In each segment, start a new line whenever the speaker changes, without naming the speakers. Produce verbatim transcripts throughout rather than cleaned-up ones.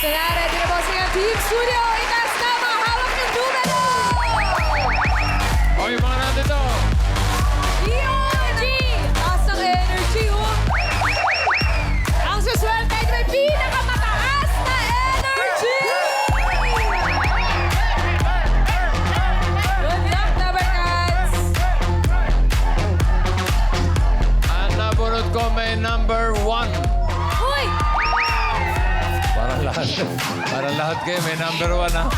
Ito na, ready na bossing ang Team Studio. Itaas na mga hawak ng numero!
O, yung mga nandito.
Energy! Taas ng energy, oh! Ang suswerte ay may pinakamataas na energy! Good luck, Tabarkats!
Ang nabunod ko may number one.
Uy!
Para lahat. Para lahat kayo may number one, ha?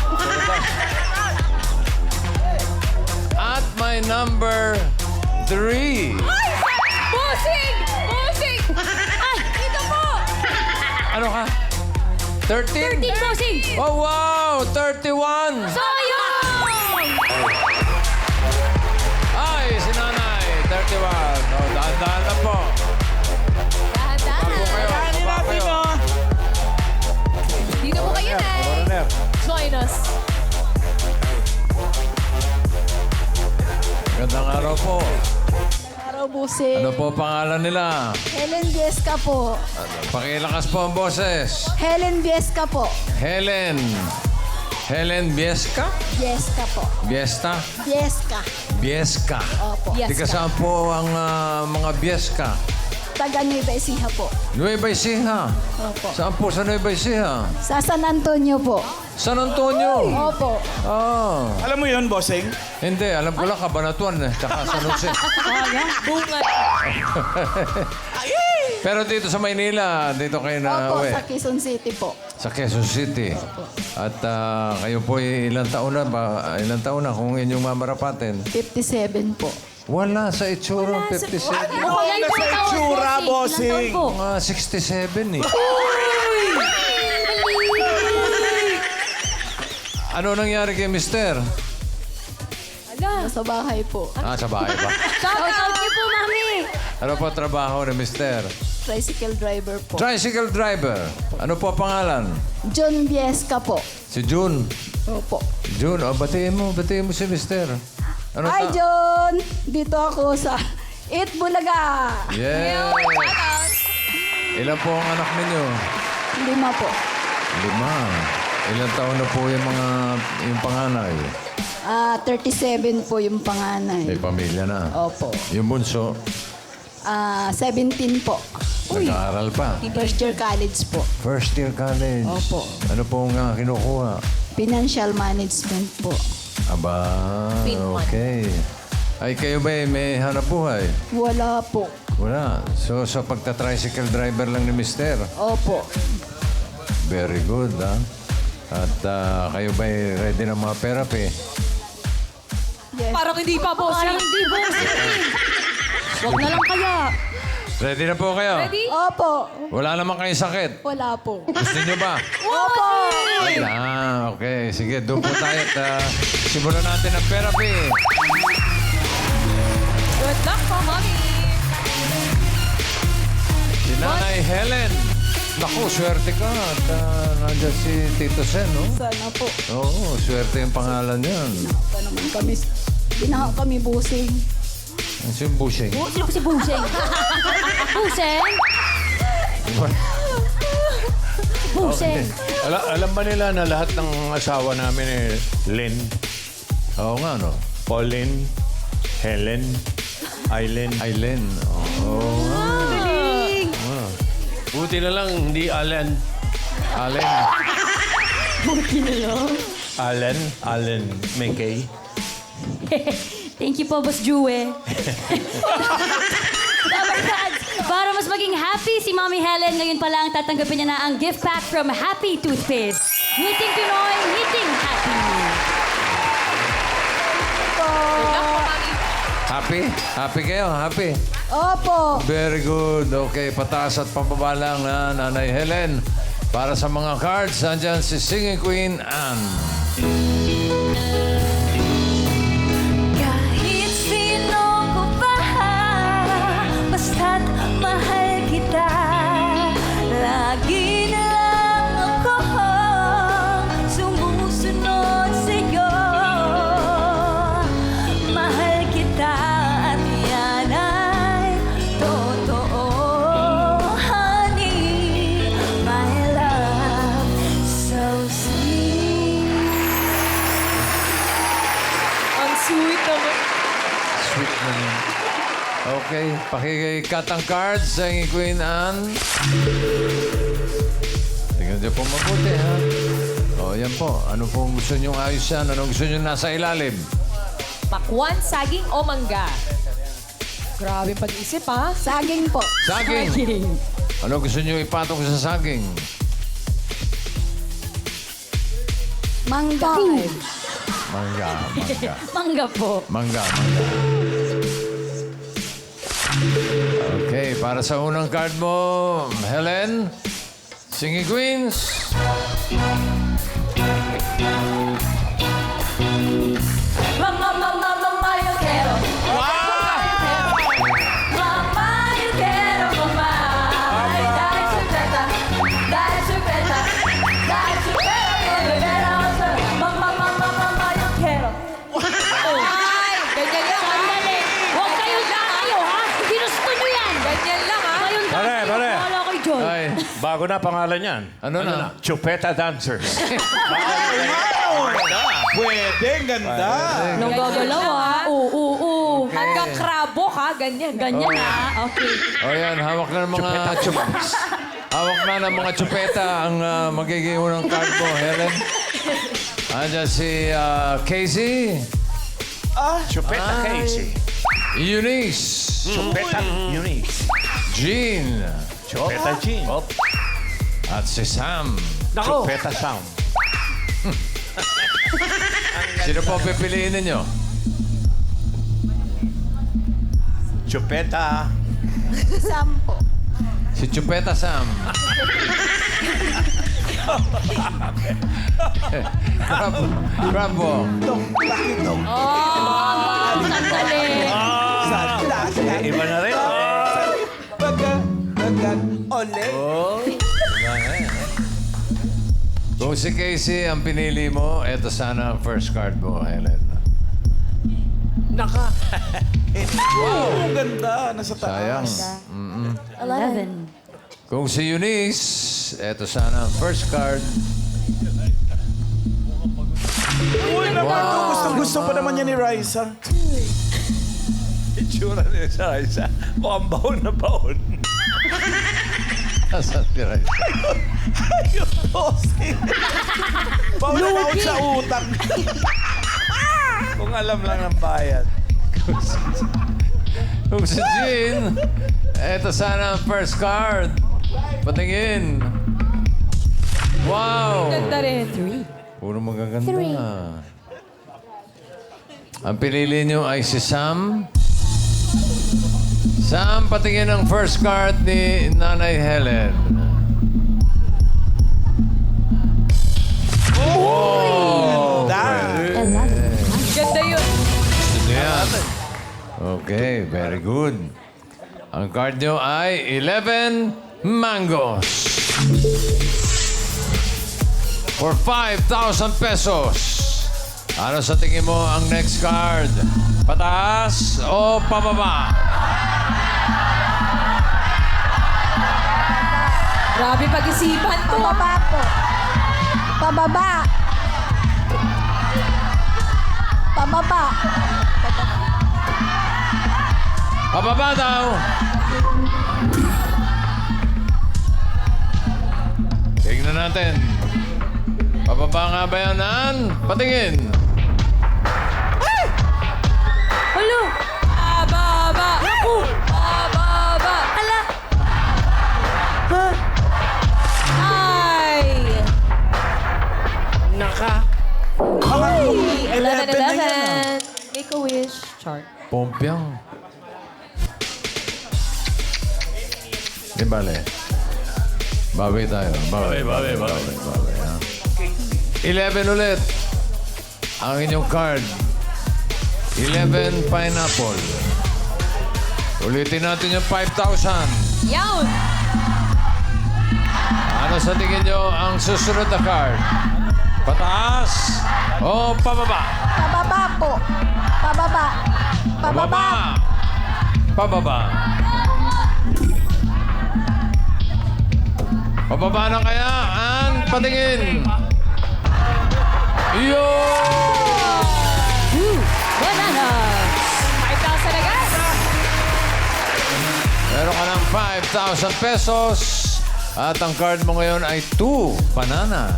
At may number three.
Ay! Bossing! Bossing! Ay! Dito po!
Ano ka? thirteen?
thirteen, bossing!
Oh, wow! thirty-one!
Sayang!
Ay, si Nanay. thirty-one. Oh, dahan-dahan na po.
Dahan-dahan.
Baba po kayo. Baba kayo.
Dito po kayo, Nay.
Coroner.
Join us.
Magandang araw po.
Araw, Busing.
Ano po pangalan nila?
Helen Biesca po.
Ano, pakilakas po ang boses.
Helen Biesca po.
Helen. Helen Biesca?
Biesca po.
Biesta?
Biesca.
Biesca.
Opo.
Yes,
Di ka
ka.
saan po ang ah, mga Biesca?
Taga Nueva Ecija po.
Nueva Ecija.
Opo.
Saan po sa Nueva Ecija?
Sa San Antonio po.
San Antonio.
Opo.
Ah.
Alam mo yun, bossing?
Hindi, alam ko lang Cabanatuan eh. Tsaka San Jose.
Bunga.
Pero dito sa Maynila, dito kayo na
Opo,
uwi.
sa Quezon City po.
Sa Quezon City. At ah, kayo po ilang taon na ba? Ilang taon na kung inyong mamarapatin?
fifty-seven po.
Wala sa itsura, fifty-seven.
Ano kaya
Nasa
ilang taon,
itsura,
bossing?
bossing.
Ilang taon po?
Mga sixty-seven eh. Ano nangyari kay mister?
Ala.
Sa bahay po.
Ah, sa bahay ba?
Shout out niyo po, mami.
Ano po trabaho ni mister?
Tricycle driver po.
Tricycle driver. Ano po pangalan?
John Biesca po.
Si June.
Opo.
June, oh, batiin mo, batiin mo si mister. Ano
Hi,
ta-
John! Dito ako sa Eat Bulaga.
Yeah. Ilan po ang anak ninyo?
Lima po.
Lima. Ilan taon na po yung mga yung panganay?
Ah, thirty-seven po yung
May
panganay.
pamilya na.
Opo.
Yung bunso,
Ah, seventeen po.
nag-aaral pa.
First year college po.
First year college.
Opo.
Ano po nga kinukuha?
Financial management po.
Aba, okay. Ay, kayo ba eh, may hanap buhay?
Wala po.
Wala. So, sa pagta-tricycle driver lang ni mister.
Opo.
Very good, ha? At ah, kayo ba eh, ready na mga therapy?
Yes.
Parang hindi pa, bossing. Parang hindi, bossing. Huwag na lang kaya.
Ready na po kayo?
Ready?
Opo.
Wala naman kayong sakit.
Wala po.
Gusto nyo ba?
Opo.
Ah, okay. Sige, doon po tayo at ah, simulan natin ang therapy.
Good luck po, mami.
Si Nanay Helen. Naku, swerte ka. At ah, nandiyan si Tito Sen, no?
Sana po.
Oo, swerte yung pangalan yan.
Pa naman kami. Binaha kami busing.
Ang si Bushing.
Sino si Buseng? Buseng? Buseng.
Ala, alam ba nila na lahat ng asawa namin eh, Lynn,
Oo nga, no?
Pauline, Helen, Aileen.
Aileen. Oo nga.
Buti na lang, hindi Allen.
Allen.
Allen, Allen McKay.
Thank you po, Boss Jue. Dabarkads, para mas maging happy si Mommy Helen, ngayon pa lang tatanggapin niya na ang gift pack from Happy Toothpaste. Meeting Pinoy, meeting happy.
Good luck po, mami.
Happy? Happy kayo? Happy?
Opo.
Very good. Okay, pataas at pababa lang na Nanay Helen. Para sa mga cards, andyan si Singing Queen Anne.
Kahit sino ko pa, basta't mahal kita. Lagi na lang ako sumusunod sa'yo. Mahal kita at yan ay totoo, honey. My love
Okay, pakikat ang cards sa Singing Queen Anne. Tingnan niyo po mabuti, ha? O, yan po. Ano pong gusto niyong ayos yan? Ano gusto niyong nasa ilalim?
Pakwan, saging o mangga? Grabe pag-isip, ha?
Saging po.
Saging. Ano gusto niyo ipatong sa saging?
Mangga.
Mangga, mangga.
Mangga po.
Mangga, mangga. Okay, para sa unang card mo, Helen, Singing Queens.
Mama, mama, mama, yo quiero. Mama, yo quiero, mama. Ay, dale chupeta, dale chupeta, dale chupeta, bebera, mama, mama, mama, yo quiero.
Ay, ganyan lang, ha?
Sandali. Huwag kayo tayo, ha? Ginusto nyo yan.
Ganyan lang, ha?
Kayong
Pare,
tayo.
pare.
Wala kayo dyan.
Ay,
Bago na pangalan yan.
ano, na?
Chupeta Dancers.
Pwede, ganda.
Nung gagalaw, ha? Oo, oo, oo.
Hanggang krabo, ha? Ganyan.
Ganyan, ha? Okay.
O yan, hawak na ng mga chup hawak na ng mga chupeta ang ah, magiging unang card mo, Helen. Andiyan si ah, Casey,
Chupeta Casey.
Eunice,
Chupeta Eunice.
Jean,
Chupeta Jean.
at si Sam.
Chupeta Sam.
Sino po pipiliin ninyo?
Chupeta.
Sampo.
Si Chupeta Sam. Grab, grab mo.
Sandali.
Iba na rin.
Bagat, bagat, ole.
Kung si Casey ang pinili mo, eto sana ang first card mo, Helen.
Naka. Wow, ang ganda. Nasa
Sayang.
taas.
Eleven.
Kung si Eunice, eto sana ang first card.
Uy, naman. Gusto, gusto pa naman niya ni Raisa.
Itsura niya sa isa. Mukhang baon na baon.
Nasaan si Raisa?
Ayun, bossing. Baon sa utang.
Kung alam lang ang bayan.
Kung si Jean, eto sana ang first card. Patingin. Wow!
Ganda rin. Three.
Puro magaganda. Ang pinili niyo ay si Sam. Sam, patingin ang first card ni Nanay Helen. Oh!
Ganda yun.
Gusto niyo yan? Okay, very good. Ang card niyo ay eleven mangoes. For five thousand pesos. Ano sa tingin mo ang next card? Pataas o pababa?
Grabe pag-isipan to.
Pababa po. Pababa. Pababa.
Pababa daw. Tingnan natin. Pababa nga ba yan, Ann? Patingin.
Hello.
Ababa. Naku. Ababa.
Ala.
Ay.
Naka.
eleven,
eleven na yan,
eleven. Make a wish. Chart.
Pompiang. Di bale. Bawi tayo. Bawi, bawi, bawi. bawi ha? eleven ulit. Ang inyong card. eleven pineapple. Ulitin natin yung five thousand.
Yawn.
Ano sa tingin nyo ang susunod na card? Pataas o pababa?
Pababa po. Pababa. Pababa.
Pababa. Pababa na kaya? An, patingin. Yo!
Bananas.
five thousand agad.
five thousand pesos. At ang card mo ngayon ay two bananas.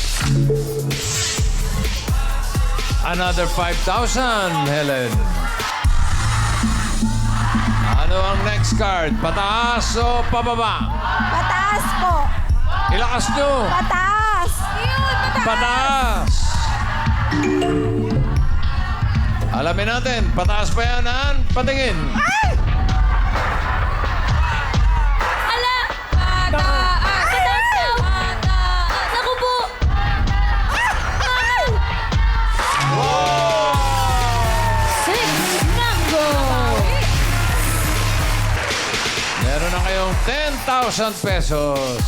Another five thousand, Helen. Ano ang next card? Pataas o pababa?
Pataas po.
Ilakas nyo.
Pataas.
Pataas. Alamin natin, pataas pa yan, Ann? Patingin.
Ala! Pataas! Pataas daw! Pataas! Naku po! Six mango!
Meron na kayong ten thousand pesos.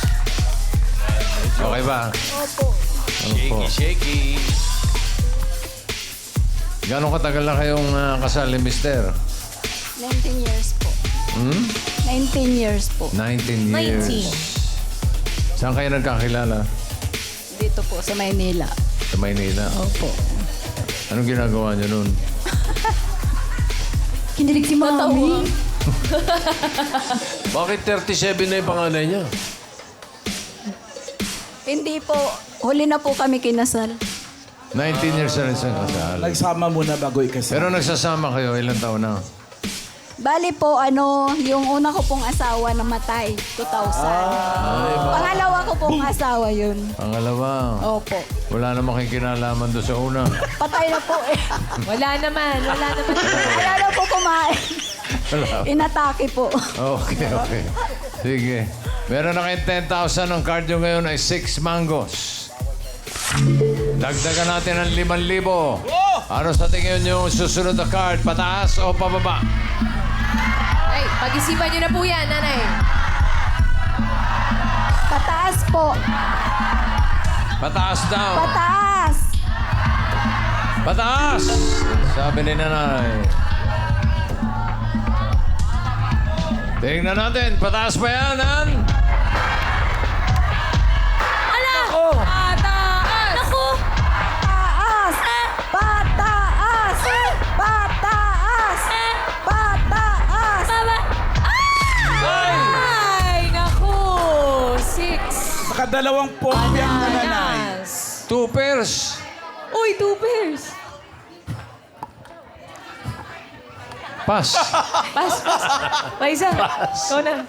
Okay ba?
Opo.
Shaky, shaky. Gano'ng katagal na kayong ah, kasal ni Mister?
nineteen years po.
Hmm?
nineteen years po.
nineteen years.
nineteen.
Saan kayo nagkakilala?
Dito po sa Maynila.
Sa Maynila.
Opo.
Anong ginagawa niyo noon?
Kinilig si Mami.
Bakit thirty-seven na yung panganay niya?
Hindi po. Huli na po kami kinasal.
nineteen years na rin sa kasal.
Nagsama muna bago ikasal.
Pero nagsasama kayo, ilang taon na?
Bali po, ano, yung una ko pong asawa namatay, two thousand. Pangalawa ko pong asawa yun.
Pangalawa.
Opo.
Wala namang kayo kinalaman doon sa una.
Patay na po eh.
Wala naman, wala naman.
Wala na po kumain.
Wala.
Inatake po.
Okay, okay. Sige. Meron na kayong ten thousand. Ang card nyo ngayon ay six mangoes. Dagdagan natin ang limang libo. Ano sa tingin nyo susunod na card? Pataas o pababa?
Ay, pag-isipan nyo na po yan, nanay.
Pataas po.
Pataas daw.
Pataas.
Pataas! Sabi ni nanay. Tingnan natin. Pataas pa yan, Ann?
Ala! Pataas! Naku!
Pataas. Pataas. Pataas. Pataas.
Baba!
Ay, naku. Six.
Nakadalawang pompyang na nanay.
Bananas.
Two pairs.
Uy, two pairs.
Pass.
Pas, pas. Paisa. Ikaw na.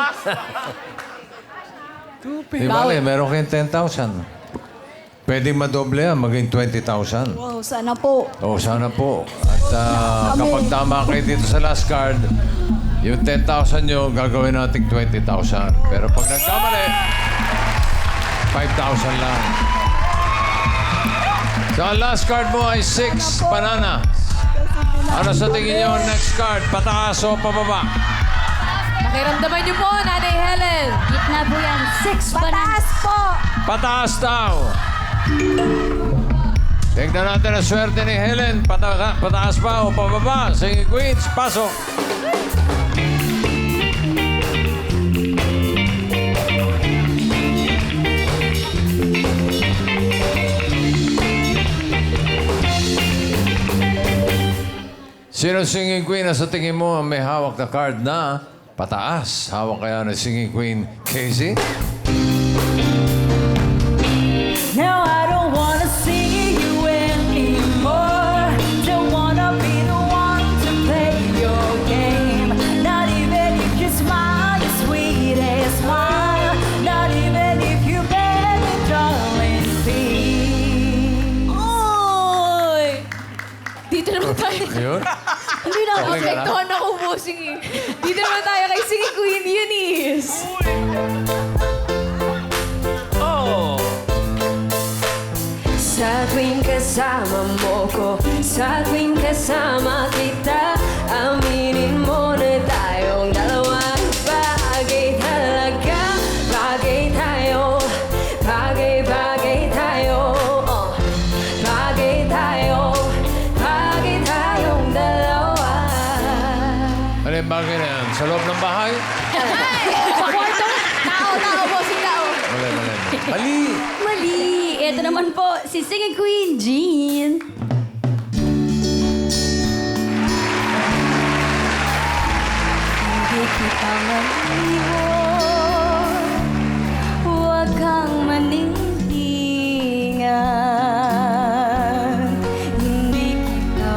Di bale, meron kayong ten thousand. Pwedeng madoble yan, maging twenty thousand.
Wow, sana po.
O, sana po. At ah, kapag tama kayo dito sa last card, yung ten thousand nyo, gagawin natin twenty thousand. Pero pag nagkamali, five thousand lang. So, ang last card mo ay six banana. Ano sa tingin nyo ang next card? Pataas o pababa?
Pakiramdaman niyo po, Nanay Helen.
Gitna po yan. Six
Pataas po.
Pataas daw. Tignan natin ang swerte ni Helen. Pata pataas pa o pababa? Sige, Queens, pasok. Sino singing queen na sa tingin mo ang may hawak na card na pataas? Hawak kaya ng singing queen, Casey?
Now I don't wanna see you anymore. Don't wanna be the one to play your game. Not even if you smile your sweetest smile. Not even if you beg me, darling, please. Oy!
Dito naman tayo.
Yun?
Hindi na ako.
Okay ka lang?
Rektohan ako bossing eh. Dito naman tayo kay Singing Queen Eunice.
Sa tuwing kasama mo ko, sa tuwing kasama kita, aminin mo na tayong dalawang bagay talaga. Bagay tayo, bagay-bagay tayo, oh. Bagay tayo, bagay tayong dalawa.
Ano yung bagay na yan? Sa loob ng bahay?
Sa kwarto. Tao, tao, bossing tao.
Mali, mali. Mali!
Mali! Ito naman po, si Singing Queen Jean. Hindi kita maliwan, huwag kang manintingan. Hindi kita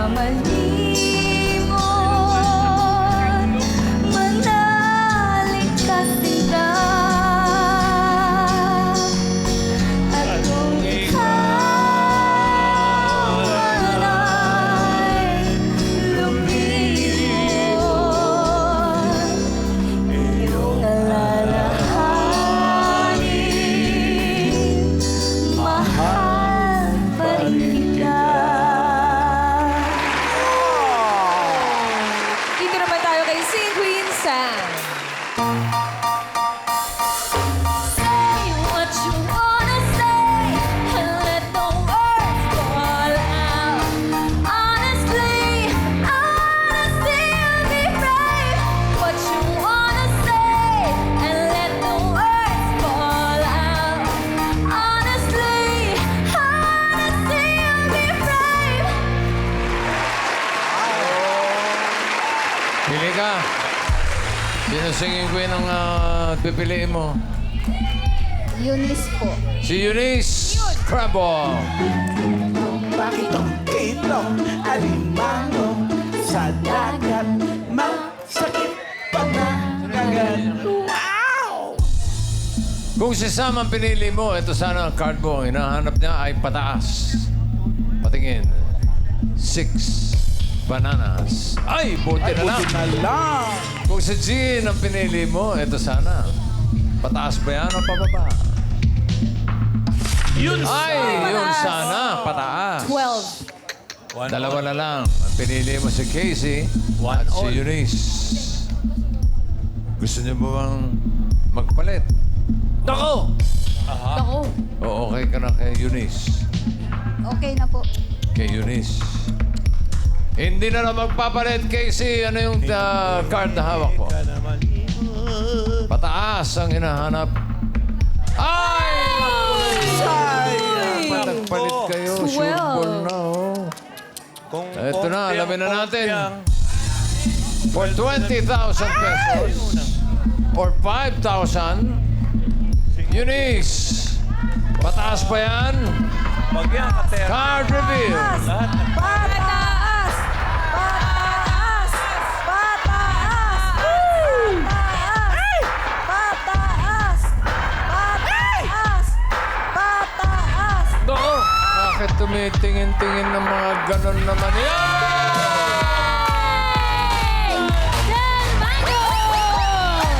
malimon, manalig ka sinta. At kung ikaw ay lumilipot, iyong alalahanin, mahal pa rin kita.
Dito naman tayo kay Sing Queen Sam.
Say what you wanna say and let the words fall out. Honestly, honestly, you'll be brave. What you wanna say and let the words fall out. Honestly, honestly, you'll be brave.
Pili ka. Sino singing queen ang ah, pipiliin mo?
Eunice po.
Si Eunice Crabbo.
Bakit ang kitong alimango sa dagat? Masakit pa na kagat. Wow!
Kung si Sam ang pinili mo, ito sana ang card mo. Ang hinahanap niya ay pataas. Patingin. Six bananas. Ay, buti na lang.
Buti na lang.
Kung si Jean ang pinili mo, ito sana. Pataas ba yan o pababa?
Yun
Ay, yun sana. Pataas.
twelve.
Dalawa na lang. Ang pinili mo si Casey at si Eunice. Gusto niyo ba bang magpalit?
Ako.
O okay ka na kay Eunice?
Okay na po.
Kay Eunice. Hindi na lang magpapalit, Casey. Ano yung uh, card na hawak mo? Pataas ang hinahanap. Ay!
sayang.
Dapat nagpalit kayo. Sure ball na, oh.
Kung
Eto na,
konti
alamin na
ang
natin.
konti ang-
For twenty thousand pesos or five thousand, Eunice. Pataas pa yan?
Pag yan, kate.
Card reveal.
Lahat ng
Pataas! Pataas! Pataas! Pataas! Pataas! Pataas!
Doko. Bakit tumitingin-tingin ng mga ganon naman yan?
Del Mango!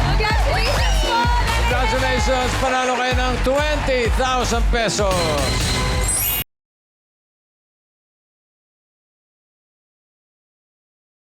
Congratulations po!
Congratulations! Panalo kayo ng twenty thousand pesos.